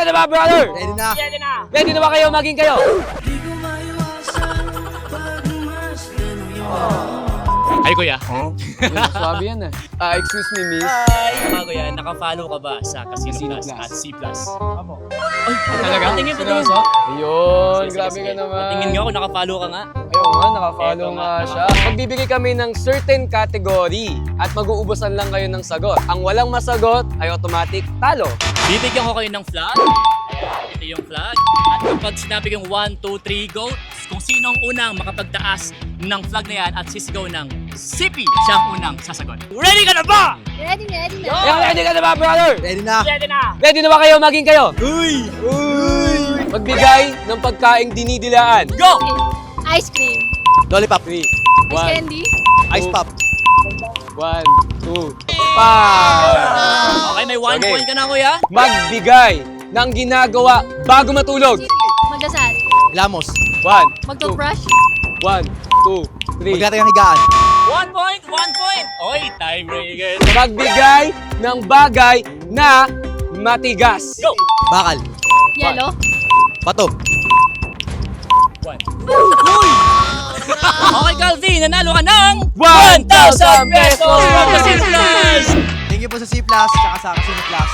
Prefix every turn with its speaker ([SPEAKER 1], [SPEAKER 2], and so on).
[SPEAKER 1] ka na ba, brother?
[SPEAKER 2] Ready na.
[SPEAKER 1] Ready na ba kayo maging kayo?
[SPEAKER 3] Ay, kuya.
[SPEAKER 1] Swabe yan excuse me, miss.
[SPEAKER 3] Ay, kuya, naka-follow ka ba sa Casino Plus at C+? Opo. Ay, talaga? Patingin, patingin.
[SPEAKER 1] Ayun,
[SPEAKER 3] Sige,
[SPEAKER 1] grabe
[SPEAKER 3] sige.
[SPEAKER 1] ka naman.
[SPEAKER 3] Patingin nga kung naka-follow ka nga.
[SPEAKER 1] Ayun nga, nakafollow
[SPEAKER 3] Eto
[SPEAKER 1] nga
[SPEAKER 3] nga.
[SPEAKER 1] siya. Magbibigay kami ng certain category at mag-uubusan lang kayo ng sagot. Ang walang masagot ay automatic talo.
[SPEAKER 3] Bibigyan ko kayo ng flag. Ito yung flag. At kapag sinabi kong 1, 2, 3, go, kung sino ang unang makapagtaas ng flag na yan at sisigaw ng CP, siya ang unang sasagot. Ready ka na ba?
[SPEAKER 4] Ready na.
[SPEAKER 1] Ayun, ready ka na ba, brother?
[SPEAKER 2] Ready na.
[SPEAKER 1] Ready na ba kayo maging kayo? Uy! Magbigay ng pagkaing dinidilaan.
[SPEAKER 3] Go!
[SPEAKER 4] Ice cream.
[SPEAKER 2] Lollipop.
[SPEAKER 1] 3,
[SPEAKER 4] Ice
[SPEAKER 1] 1,
[SPEAKER 4] candy.
[SPEAKER 2] Ice pop.
[SPEAKER 1] 1, 2, 5.
[SPEAKER 3] Okay, may 1
[SPEAKER 1] Okay.
[SPEAKER 3] point ka na, kuya.
[SPEAKER 1] Magbigay ng ginagawa bago matulog.
[SPEAKER 4] Magdasal.
[SPEAKER 2] Ilamos.
[SPEAKER 1] 1, 2,
[SPEAKER 4] Magtoothbrush.
[SPEAKER 1] 1, 2, 3.
[SPEAKER 2] Maglatay ang higaan.
[SPEAKER 3] 1 point, 1 point. Oy, tiebreaker.
[SPEAKER 1] Magbigay ng bagay na matigas.
[SPEAKER 3] Go!
[SPEAKER 2] Bakal.
[SPEAKER 4] Yellow.
[SPEAKER 2] Pato.
[SPEAKER 3] 1. Uy! Okay, Calvin, nanalo ka ng
[SPEAKER 1] 1,000
[SPEAKER 3] 1,000 pesos from the C+.
[SPEAKER 2] Thank you po sa C+, tsaka sa Casino Plus.